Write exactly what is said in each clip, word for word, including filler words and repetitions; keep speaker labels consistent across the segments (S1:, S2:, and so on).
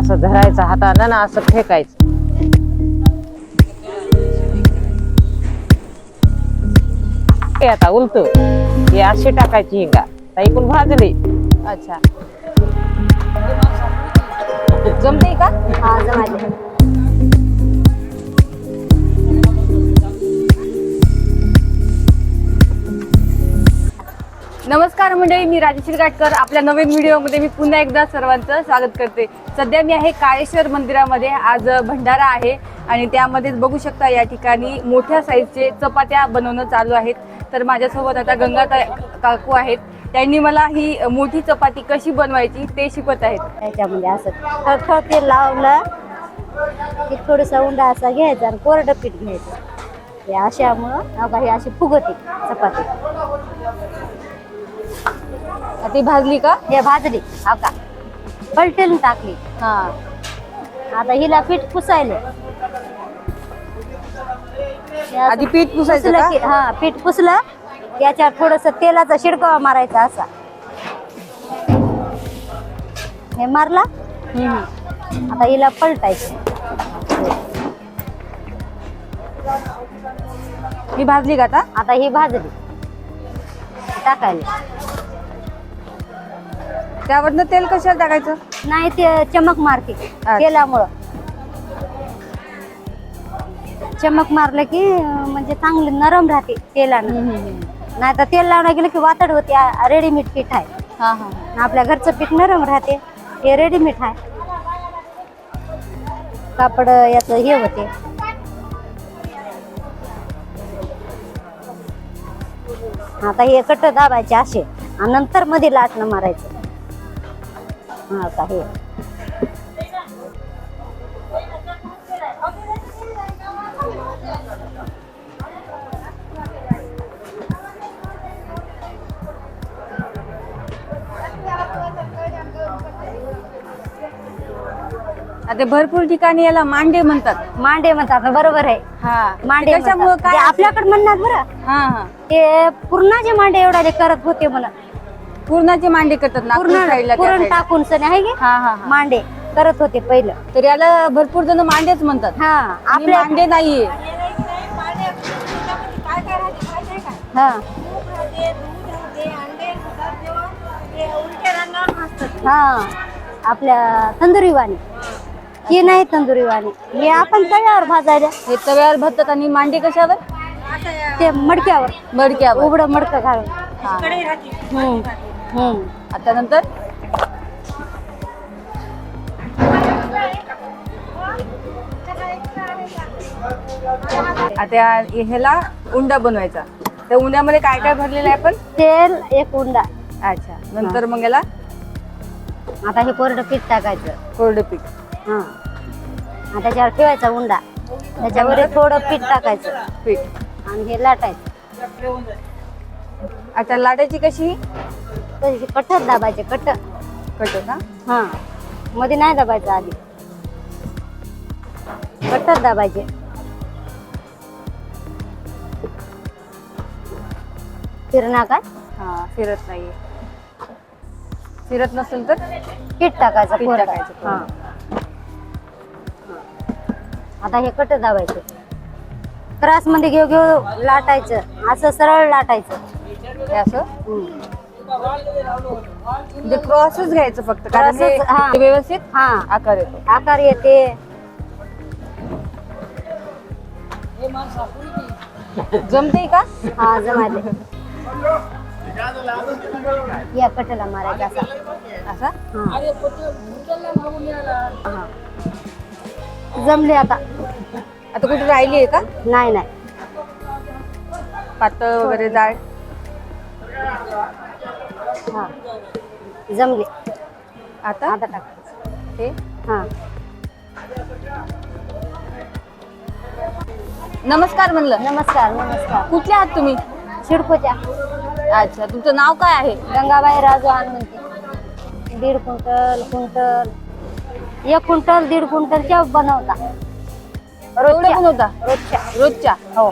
S1: असं धरायचं हातानं ना असं फेकायचं. हे आता उलट हे अशी टाकायची हिंगा ऐकून भाजली.
S2: अच्छा जमते का?
S3: हा जमायले.
S2: नमस्कार मंडळी, मी राजश्री गाटकर. आपल्या नवीन व्हिडिओमध्ये मी पुन्हा एकदा सर्वांचं स्वागत करते. सध्या मी आहे काळेश्वर मंदिरामध्ये. आज भंडारा आहे आणि त्यामध्येच बघू शकता या ठिकाणी मोठ्या साईजचे चपात्या बनवणं चालू आहेत. तर माझ्यासोबत आता गंगा काकू आहेत. त्यांनी मला ही मोठी चपाती कशी बनवायची ते शिकवत आहेत.
S3: त्याच्यामध्ये असं खळखळ तेल लावलं की थोडंसं उंडा असा घ्यायचा आणि कोरडं पीठ घ्यायचं. हे अशामुळं अगं हे अशी फुगते चपाती.
S2: ती भाजली का?
S3: हे भाजली हा का पलटेल टाकली.
S2: हा
S3: आता हिला पीठ पुसायले.
S2: आधी पीठ पुसायचं
S3: पुसलं
S2: का?
S3: की हा पीठ पुसलं याच्यावर थोडस तेलाचा शिडकावा मारायचा असा. हे मारला. आता हिला पलटायचं.
S2: ही भाजली का आता?
S3: आता ही भाजली टाकायला.
S2: त्यावरनं तेल कशाला टाकायचं?
S3: नाही ते चमक मारते तेलामुळं. चमक मारलं की अं, म्हणजे चांगली नरम राहते तेलानं. नाही तर तेल लावणं गेलं की वातड होते. रेडीमेड पीठ आहे.
S2: हा हा
S3: आपल्या घरचं पीठ नरम राहते. हे रेडीमेड आहे. कापड याचं हे होते. आता हे कट दाबायचे असे आणि नंतर मध्ये लाटणं मारायचं. हा का हे
S2: आता भरपूर ठिकाणी याला मांडे म्हणतात.
S3: मांडे म्हणतात. बरोबर आहे.
S2: हा
S3: मांडे
S2: कशामुळे
S3: म्हणतात.
S2: काय
S3: ते आपल्याकडे म्हणणार बरं.
S2: हा हा
S3: ते पूर्णाचे मांडे एवढा ते करत होते म्हणा.
S2: पूर्णाचे मांडे करतात नागपूर
S3: पूर्ण
S2: साईडला त्या
S3: पुरण
S2: साईडला.
S3: टाकून सण आहे की
S2: हा हा हा.
S3: मांडे करत होते पहिलं.
S2: तर याला भरपूर जण मांडेच म्हणतात.
S3: हा
S2: आणि
S3: आपल्या
S2: मांडे नाहीये.
S3: हा हा आपल्या तंदुरी वाणी ही नाही. तंदुरी वाणी हे आपण तव्यावर भाजायला.
S2: हे तव्यावर भाजतात आणि मांडे कशावर?
S3: ते मडक्यावर
S2: मडक्यावर.
S3: उघडं मडकं घालून.
S2: हा.
S3: हम्म हम्म
S2: आता नंतर आता ह्याला उंडा बनवायचा. त्या उंड्यामध्ये काय काय भरलेलं आहे आपण?
S3: तेल एक उंडा.
S2: अच्छा नंतर मग याला
S3: आता हे कोरडं पीठ टाकायचं.
S2: कोरडं पीठ.
S3: हा आणि त्याच्यावर ठेवायचा उंडा. त्याच्यावर थोडं पीठ टाकायचं
S2: पीठ
S3: आणि हे लाटायचं.
S2: आता लाटायची कशी?
S3: तशी कट्टत दाबायचे. कट्ट
S2: कट का?
S3: हा मध्ये नाही दाबायचं. आधी कट्टत दाबायचे. फिरणार काय?
S2: हा फिरत नाहीये. फिरत नसेल तर
S3: पीठ टाकायचं.
S2: पीठ
S3: कोरडं.
S2: टाकायचं.
S3: हा आता हे कट दाबायचे. त्रास मध्ये घेऊ घेऊ लाटायचं. असं सरळ लाटायचं.
S2: हे असं
S3: हम्म.
S2: म्हणजे क्रॉसच घ्यायचं फक्त कारण हे
S3: Crossच, हा.
S2: हे व्यवस्थित
S3: हा
S2: आकार येतो.
S3: आकार येते.
S2: जमते का?
S3: हा जमाले. या कटला मारायचा असा.
S2: असा
S3: हा. हा. जमले आता.
S2: आता कुठे राहिली आहे का?
S3: नाही नाही
S2: पातळ वगैरे जाड?
S3: हा जमले.
S2: आता
S3: आता टाकायचं.
S2: हे
S3: हा
S2: नमस्कार म्हणलं.
S3: नमस्कार नमस्कार.
S2: कुठले आहात तुम्ही?
S3: शिडकोच्या.
S2: अच्छा तुमचं नाव काय आहे?
S3: गंगाबाई राजू म्हणते. दीड क्विंटल क्विंटल एक क्विंटल दीड क्विंटलच्या बनवता.
S2: एवढे पण होता
S3: रोजच्या.
S2: रोजच्या?
S3: हो.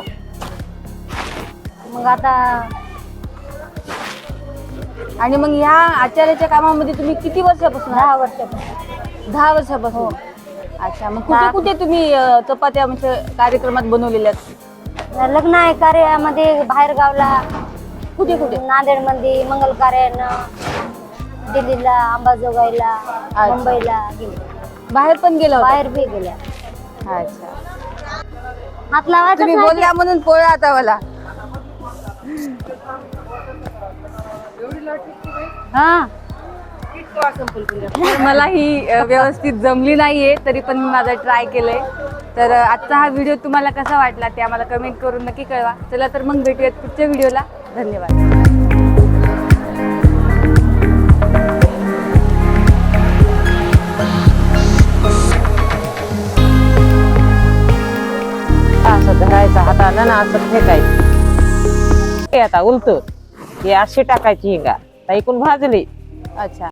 S3: मग आता
S2: आणि मग ह्या आचार्याच्या कामामध्ये तुम्ही किती वर्षापासून आहात?
S3: दहा वर्षापासून.
S2: दहा वर्षापासून अच्छा. मग कुठे
S3: दहा-
S2: कुठे तुम्ही अ, चपात्या म्हणजे कार्यक्रमात बनवलेल्या आहेत?
S3: लग्न आहे कार्यामध्ये बाहेर गावला,
S2: कुठे कुठे?
S3: नांदेड मध्ये मंगल कार्यानं, दिल्लीला, अंबाजोगाईला, मुंबईला गेले.
S2: बाहेर पण गेला होता?
S3: बाहेर बी गेल्या.
S2: अच्छा.
S3: हात लावायचं
S2: तुम्ही
S3: नाही.
S2: बोलल्या म्हणून पोळा आता मला.
S3: हा
S2: तर मला ही अ, व्यवस्थित जमली नाहीये, तरी पण मी माझा ट्राय केलंय. तर अ, आजचा हा व्हिडिओ तुम्हाला कसा वाटला ते आम्हाला कमेंट करून नक्की कळवा. चला तर मग भेटूयात पुढच्या व्हिडिओला. धन्यवाद.
S1: असं धरायचं हातानं ना असं फेकायचं. हे आता उलट हे अशी टाकायची हिंगा आता इकून भाजली
S2: अच्छा.